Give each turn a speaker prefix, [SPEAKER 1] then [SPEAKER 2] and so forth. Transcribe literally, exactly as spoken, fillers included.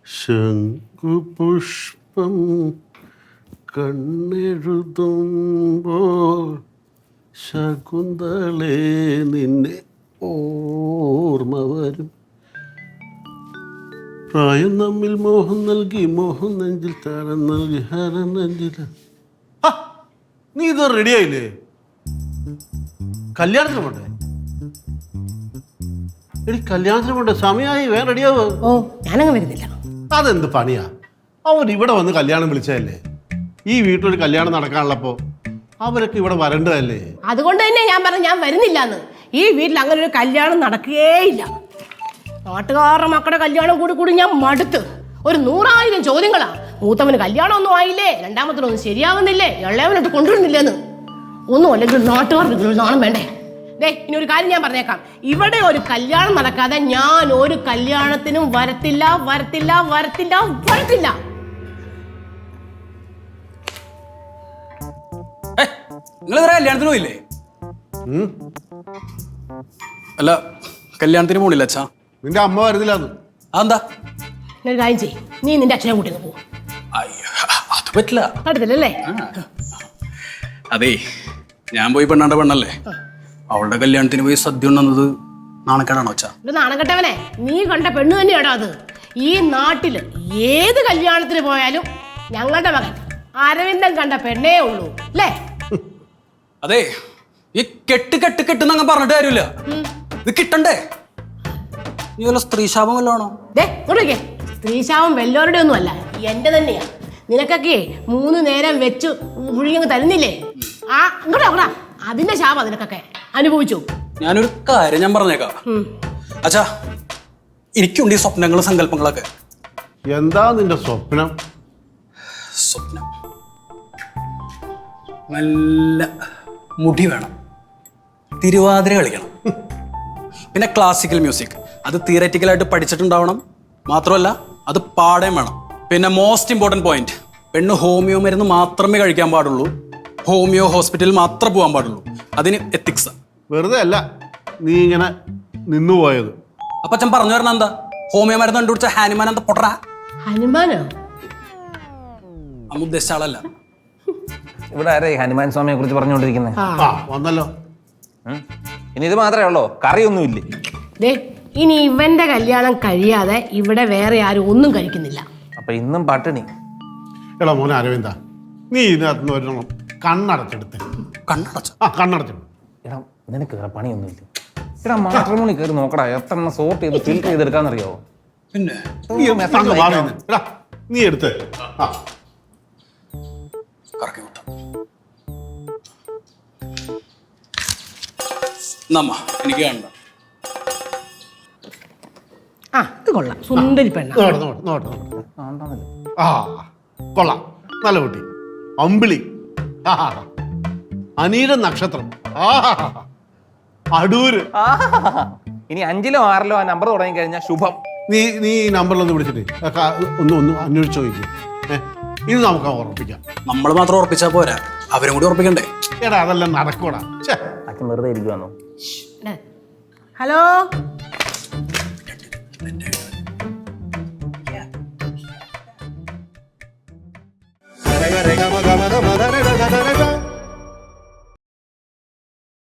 [SPEAKER 1] ശംഖുപുഷ്പം കണ്ണെഴുതുമ്പോൾ ശകുന്തളേ നിന്നെ ഓർമ്മ വരും. പ്രായം നമ്മിൽ മോഹം നൽകി മോഹം നെഞ്ചിൽ താരം നൽകി ഹരം നെഞ്ചിൽ. നീ ഇത് റെഡിയായില്ലേ? കല്യാണത്തിന് പോട്ടെ. എടി കല്യാണത്തിന് പോട്ടെ, സമയമായി, വേറെ റെഡിയാവോ?
[SPEAKER 2] ഓ ഞാനങ്ങ് വരുന്നില്ല.
[SPEAKER 1] അതെന്ത് പണിയാ? അവൻ ഇവിടെ വന്ന് കല്യാണം വിളിച്ചതല്ലേ. ഈ വീട്ടിലൊരു കല്യാണം നടക്കാനുള്ളപ്പോ അവരൊക്കെ ഇവിടെ വരേണ്ടതല്ലേ.
[SPEAKER 2] അതുകൊണ്ട് തന്നെ ഞാൻ പറഞ്ഞു ഞാൻ വരുന്നില്ലാന്ന്. ഈ വീട്ടിൽ അങ്ങനെ ഒരു കല്യാണം നടക്കുകയേയില്ല. നാട്ടുകാരുടെ മക്കളുടെ കല്യാണം കൂടി കൂടി ഞാൻ മടുത്ത്. ഒരു നൂറായിരം ചോദ്യങ്ങളാ. മൂത്തവന് കല്യാണം ഒന്നും ആയില്ലേ, രണ്ടാമത്തിനൊന്നും ശരിയാവുന്നില്ലേ, ഇളയവനോട്ട് കൊണ്ടുവരുന്നില്ലെന്ന്. ഒന്നും അല്ലെങ്കിൽ നാട്ടുകാർക്ക് നാണം വേണ്ടേ? ദേ ഇനി ഒരു കാര്യം ഞാൻ പറഞ്ഞേക്കാം, ഇവിടെ ഒരു കല്യാണം നടക്കാതെ ഞാൻ ഒരു കല്യാണത്തിനും വരത്തില്ല വരത്തില്ല വരത്തില്ല വരത്തില്ല.
[SPEAKER 3] നിങ്ങൾ കല്യാണത്തിന് പോയില്ലേ? അല്ല കല്യാണത്തിന് പോണില്ല അച്ഛാ?
[SPEAKER 1] നിന്റെ അമ്മ വരുന്നില്ല.
[SPEAKER 3] അതെന്താ?
[SPEAKER 2] ഒരു കാര്യം ചെയ്യ്, നീ നിന്റെ അച്ഛനെ കൂട്ടി പോകും.
[SPEAKER 3] അത് പറ്റില്ല.
[SPEAKER 2] പറ്റത്തില്ലല്ലേ?
[SPEAKER 3] അതേ ഞാൻ പോയി പെണ്ണാണ്ട പെണ്ണല്ലേ, അവളുടെ കല്യാണത്തിന് പോയി സദ്യ ഉണ്ടെന്നത് നാണക്കേടാണോ അച്ഛാ?
[SPEAKER 2] ഒരു നാണക്കെട്ടവനെ, നീ കണ്ട പെണ്ണ് തന്നെയാണോ അത്? ഈ നാട്ടില് ഏത് കല്യാണത്തിന് പോയാലും ഞങ്ങളുടെ മകൻ അരവിന്ദൻ കണ്ട പെണ്ണേ ഉള്ളൂ അല്ലേ?
[SPEAKER 3] അതെ, ഈ കെട്ട് കെട്ട് കെട്ടെന്നങ്ങ് പറഞ്ഞിട്ട് കാര്യമില്ല. ഇത് കിട്ടണ്ടേ? നീ വല്ല സ്ത്രീശാപം വല്ലതാണോ?
[SPEAKER 2] സ്ത്രീശാപം വല്ലവരുടെ ഒന്നും അല്ല, എന്റെ തന്നെയാ. നിനക്കൊക്കെ മൂന്ന് നേരം വെച്ച് മുഴുകി തരുന്നില്ലേ? ആ ഇങ്ങോട്ടാ, അതിന്റെ ശാപം നിനക്കൊക്കെ അനുഭവിച്ചു.
[SPEAKER 3] ഞാനൊരു കാര്യം ഞാൻ പറഞ്ഞേക്കാം അച്ഛാ, എനിക്കുണ്ട് ഈ സ്വപ്നങ്ങളും സങ്കല്പങ്ങളൊക്കെ.
[SPEAKER 1] എന്താ നിന്റെ സ്വപ്നം?
[SPEAKER 3] സ്വപ്നം നല്ല മുടി വേണം, തിരുവാതിര കളിക്കണം, പിന്നെ ക്ലാസിക്കൽ മ്യൂസിക്. അത് തിയററ്റിക്കലായിട്ട് പഠിച്ചിട്ടുണ്ടാവണം. മാത്രമല്ല അത് പാടേം വേണം. പിന്നെ മോസ്റ്റ് ഇമ്പോർട്ടൻറ്റ് പോയിന്റ്, പെണ്ണ് ഹോമിയോ മരുന്ന് മാത്രമേ കഴിക്കാൻ പാടുള്ളൂ, ഹോമിയോ ഹോസ്പിറ്റലിൽ മാത്രമേ പോകാൻ പാടുള്ളൂ. അതിന് എത്തിക്സ്.
[SPEAKER 1] വെറുതെ അല്ല നീ ഇങ്ങനെ നിന്നുപോയത്.
[SPEAKER 3] അപ്പൊ അച്ഛൻ പറഞ്ഞു തരണം എന്താ? ഹോമിയോ മരുന്ന് കണ്ടുപിടിച്ച ഹാനുമാൻ എന്താ പൊട്ടറാ?
[SPEAKER 2] ഹനുമാനോ?
[SPEAKER 3] അമ്മ ഉദ്ദേശിച്ച ആളല്ല.
[SPEAKER 4] ഇവിടെ ആരെ ഹനുമാൻ സ്വാമിയെ കുറിച്ച് പറഞ്ഞുകൊണ്ടിരിക്കുന്നത്?
[SPEAKER 1] വന്നല്ലോ.
[SPEAKER 4] ഇനി ഇത് മാത്രമേ ഉള്ളോ? കറിയൊന്നുമില്ലേ?
[SPEAKER 2] ദേ ഇനി ഇവന്റെ കല്യാണം കഴിയാതെ ഇവിടെ വേറെ ആരും ഒന്നും കഴിക്കുന്നില്ല.
[SPEAKER 4] അപ്പൊ ഇന്നും പട്ടിണി.
[SPEAKER 1] എടാ മോനെ അരവിന്ദ, നീ ഇതിനകത്ത് ഒരെണ്ണം കണ്ണടച്ചെടുത്ത്.
[SPEAKER 3] കണ്ണടച്ച?
[SPEAKER 1] ആ കണ്ണടച്ചെടു.
[SPEAKER 4] എടാ നിനക്ക് വേറെ പണിയൊന്നുമില്ല. എടാ മാട്രിമോണി കയറി നോക്കടാ, എത്ര എണ്ണം സോർട്ട് ചെയ്ത് ഫിൽറ്റർ ചെയ്തെടുക്കാന്നറിയാവോ?
[SPEAKER 3] പിന്നെ
[SPEAKER 1] എടാ നീ എടുത്ത്
[SPEAKER 3] കറക്കി വിട്ടു. നമ്മ എനിക്ക് വേണ്ട.
[SPEAKER 2] ആ ഇത് കൊള്ളാം, സുന്ദരി പെണ്ണ.
[SPEAKER 1] ആ കൊള്ളാം, നല്ല കുട്ടി, അമ്പിളി, അനീര നക്ഷത്രം, അടൂര്.
[SPEAKER 4] ഇനി അഞ്ചിലോ ആറിലോ ആ നമ്പർ തുടങ്ങി കഴിഞ്ഞാൽ ശുഭം.
[SPEAKER 1] നീ നീ ഈ നമ്പറിലൊന്ന് വിളിച്ചിട്ട് ഒന്ന് ഒന്ന് അന്വേഷിച്ച് ചോദിക്കും. ഇത് നമുക്ക് ഉറപ്പിക്കാം.
[SPEAKER 3] നമ്മൾ മാത്രം ഉറപ്പിച്ചാ പോരാ, അവരും കൂടി ഉറപ്പിക്കണ്ടേ?
[SPEAKER 1] എടാ അതെല്ലാം നടക്കൂടാ.
[SPEAKER 4] അച്ഛൻ വെറുതെ ഇരിക്കുവാന്നോ?
[SPEAKER 2] ഹലോ